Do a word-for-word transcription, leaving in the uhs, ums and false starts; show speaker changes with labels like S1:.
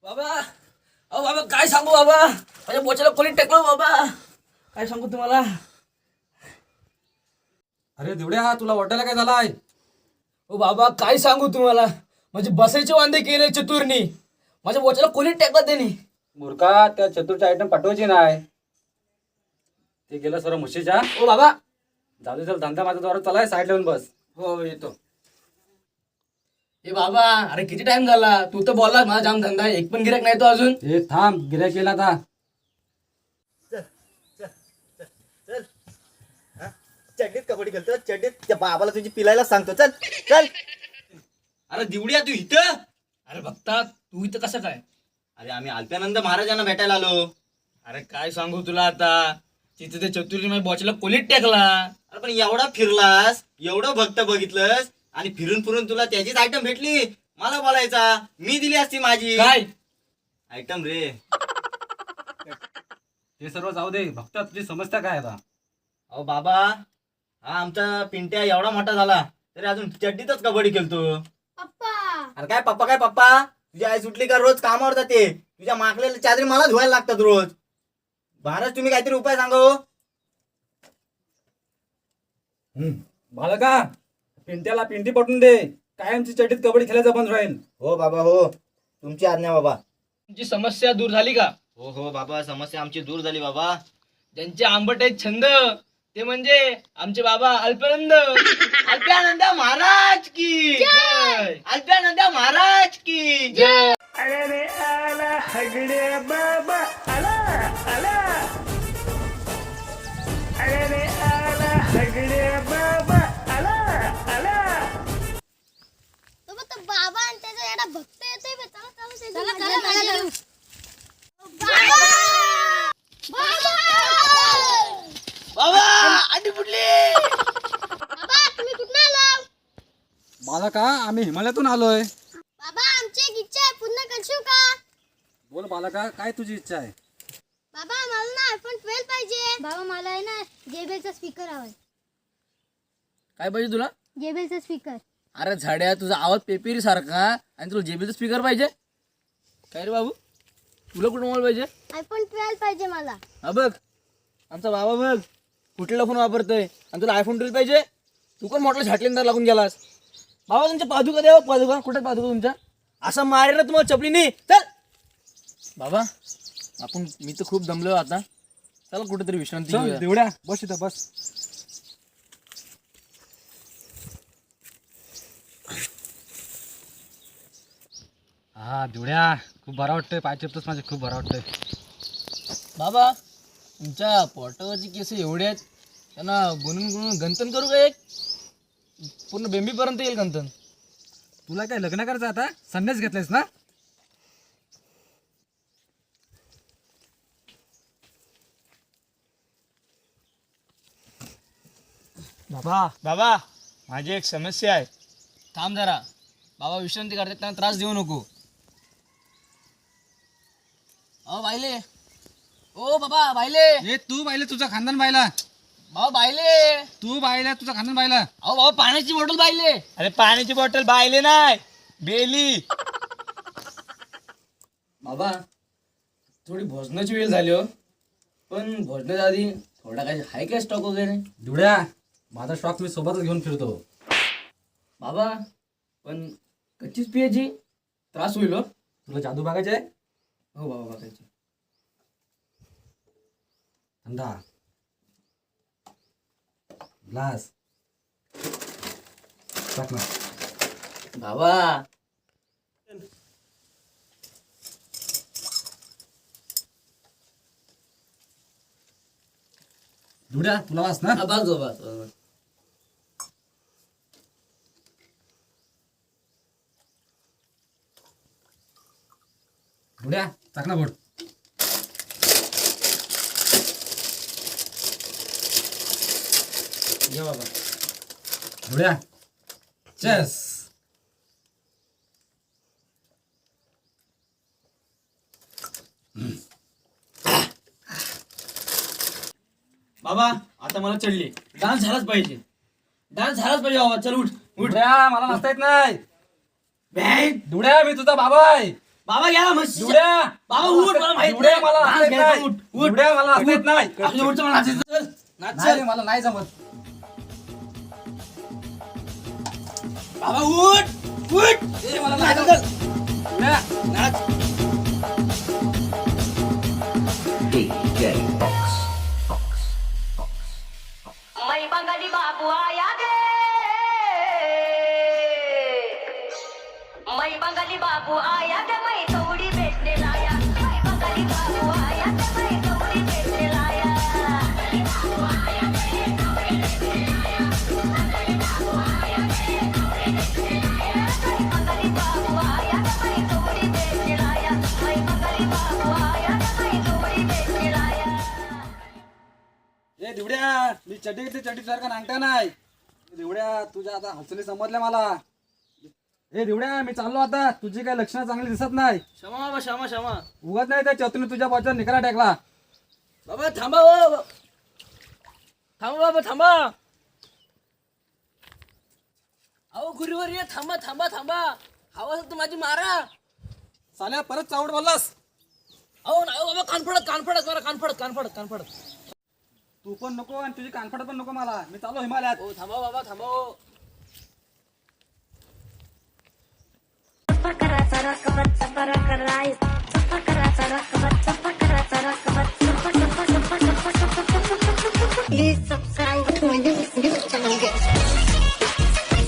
S1: बाबा अहो बाबा काय सांगू बाबा, माझ्या बोचाला कोणी टेकलो बाबा, काय सांगू तुम्हाला.
S2: अरे दिवड्या, तुला वाटायला काय झालाय?
S1: ओ बाबा काय सांगू तुम्हाला, म्हणजे बसायचे वांदे केले चतुरनी, माझ्या बोचाला कोणी टेकत देणे.
S2: मूर्खा, त्या चतुरचे आयटम पाठवायचे नाही, ते गेलं सर्व म्हशीच्या.
S1: ओ बाबा
S2: जाऊ दे, चल, धंदा माझा द्वारा चलाय, साईड लावून बस.
S1: हो येतो. ए बाबा अरे किती टाइम झाला, तू तर बोलला माझा जाम धंदा आहे, एक पण गिऱ्हाईक नाही तो अजून.
S2: हे थांब, गिऱ्हाईक केला आता.
S3: चड्डीत कबड्डी खेळतो, चड्डीत त्या बाबाला तुझी पिलायला सांगतो. चल चल.
S4: अरे दिवड्या, तू इथं?
S1: अरे बघता तू इथं कसं काय.
S4: अरे आम्ही अल्प्यानंद महाराजांना भेटायला आलो.
S1: अरे काय सांगू तुला आता, तिथे ते चतुर्नी माझ्या बोचाला कोणीच टेकला.
S4: अरे पण एवढा फिरलास, एवढं भक्त बघितलंस आणि फिरून फिरून तुला त्याचीच आयटम भेटली. मला बोलायचा, मी दिली असती माझी
S1: काय
S4: आयटम रे.
S2: हे सर्व जाऊ दे, भक्त तुझी समस्या काय आता?
S4: अहो बाबा, हा आमचा पिंट्या एवढा मोठा झाला तरी अजून चड्डीतच कबड्डी खेळतो.
S5: पप्पा
S4: अरे काय पप्पा काय पप्पा, तुझी आई सुटली का रोज कामावर जाते, तुझ्या माकलेल्या चादरी मला धुवायला लागतात रोज. महाराज तुम्ही काहीतरी उपाय सांगा हो.
S2: बालका, पिंट्याला पिंटी पटून दे, कायमची चड्डीत कबड्डी खेळायचं बंद राहील.
S3: हो बाबा, हो तुमची आज्ञा बाबा.
S1: तुमची समस्या दूर झाली का.
S4: हो हो बाबा, समस्या आमची दूर झाली बाबा.
S1: ज्यांचे आंबट आहेत छंद ते म्हणजे आमचे बाबा अल्पानंद.
S4: अल्प्यानंद महाराज की जय. अल्प्यानंद महाराज की जय.
S5: तो मग तो बाबा आणि त्याचा एवढा भक्त येतोय बे. चला चला ते चला चला चला बाबा
S4: बाबा आधी फुटली.
S5: बाबा तुम्ही कुठून आला.
S2: बालका, आम्ही हिमालयातून आलोय.
S5: बाबा आमची एक इच्छा आहे, पूर्ण करशील का.
S2: बोल बालका, काय तुझी इच्छा आहे?
S5: बाबा मला ना आयफोन ट्वेल्व पाहिजे. बाबा मला आहे ना जेबेलचा स्पीकर हवाय.
S1: काय पाहिजे तुला.
S5: जेबेलचा स्पीकर.
S1: अरे झाड्या, तुझा आवाज पेपेरी सारखा आणि तुला जेबीचा स्पीकर पाहिजे. काय रे बाबू, तुला कुठं मोबाईल पाहिजे.
S5: आयफोन ट्वेल्व पाहिजे मला.
S1: हा बघ, आमचा बाबा बघ कुठला फोन वापरतोय आणि तुला आयफोन ट्वेल्व पाहिजे. तू पण मोठला झाटलेंदार लागून गेलास. बाबा तुमच्या पादुका द्यावं, पादुका कुठे पादुका तुमच्या. असं मारे ना तुम्हाला चपलीनी. चल बाबा, आपण मी तर खूप दमलो आता, चला कुठेतरी विश्रांती
S2: चल
S1: घेऊया.
S2: दिवड्या, बस इथं बस. हा दिवड्या, खूप बरा वाटतंय, पाय चिपतोस माझे, खूप बरा वाटतंय.
S1: बाबा तुमच्या पोटावरची केस एवढे आहेत, त्यांना गुणून गुणून गंतन करू का एक, पूर्ण बेंबीपर्यंत येईल गंतन.
S2: तुला काय लग्न करायचं आता? संन्यास घेतलायस ना?
S1: बाबा
S6: बाबा माझी एक समस्या आहे.
S1: थांब जरा, बाबा विश्रांती करतात, त्यांना त्रास देऊ नको. अहो बायले, ओ बाबा बायले,
S2: ए तू बायले, तुझा खानदान बायला.
S1: बाबा बायले,
S2: तू बायला, तुझा खानदान बायला.
S1: अहो बाबा पाण्याची बॉटल बायले.
S6: अरे पाण्याची बॉटल बायले नाही, बेली.
S1: बाबा थोडी भोजनाची वेळ झाली हो, पण भोजनाच्या आधी थोडा काही हाय काय स्टॉक वगैरे.
S2: दिवड्या, माझा स्टॉक मी सोबतच घेऊन फिरतो.
S1: बाबा पण कच्चीच पियाची, त्रास होईल हो.
S2: तुला जादू बघायचे आहे?
S1: हो बाबा बघायची.
S2: अंधा ग्लास टाक ना.
S1: बाबा
S2: दिवड्या, तुला वास ना?
S1: हा, बस हो, बस बस.
S2: दिवड्या, टाक ना बोट.
S1: घे बाबा.
S2: दिवड्या, चेस.
S1: बाबा आता मला चढली, डान्स झालाच पाहिजे, डान्स झालाच पाहिजे बाबा. चल उठ उठ.
S2: दिवड्या, मला नसता येत नाही.
S1: बॅग
S2: दिवड्या, मी तुझा बाबा आहे.
S1: बाबा घ्या म्हशी
S2: दिवड्या
S1: बाबा उठ मला माहित
S2: दिवड्या
S1: नाही.
S2: मला
S1: नाच
S2: असं येत
S1: घ्यायचा,
S2: नाही.
S1: उठ, उठ.
S2: दिवड्या मला असं येत नाही.
S1: आपल्या उठचं मला नाचायचं. चल, नाच,
S2: नाही
S1: चल.
S2: रे, मला नाही जमत.
S1: बाबा उठ उठ
S2: ए, मला
S1: नाच,
S2: नाही
S1: चल.
S2: दिवड्या,
S1: नाच.
S7: मै बंगाली बाबू आया गे मै बंगाली बाबू आया गे मै थोडी भेटने लाया मै बंगाली बाबू आया गे मै थोडी भेटने लाया बंगाली बाबू आया गे मै थोडी भेटने लाया मै बंगाली बाबू आया गे मै थोडी भेटने लाया
S2: ए दिवड्या मी चड्डी घेतली चड्डी सारखा नांगता नाही. दिवड्या तुझ्या आता हसली समजल्या मला. ए दिवड्या मी चाललो आता. तुझी काही लक्षणं चांगली दिसत नाही.
S1: क्षमा बाबा क्षमा क्षमा
S2: उगत नाही त्या चतुने तुझ्या बाजूला निकाला टाकला.
S1: बाबा थांबा हो. थांबा बाबा थांबा. अहो गुरुवर ये थांबा थांबा थांबा. हवा असेल तर माझी मारा.
S2: साल्या परत चावड बोललास.
S1: अहो नाही हो बाबा कानफडत कानफडत मारा कानफडत कानफडत कानफडत.
S2: तू पण नको आणि तुझी कानफड पण नको मला. मी चाललो हिमालयात.
S1: हो थांबा बाबा थांबा हो.
S7: Pakaraca rakbat, pakaraca rai, pakaraca rakbat, pakaraca rakbat, pakaraca rakbat.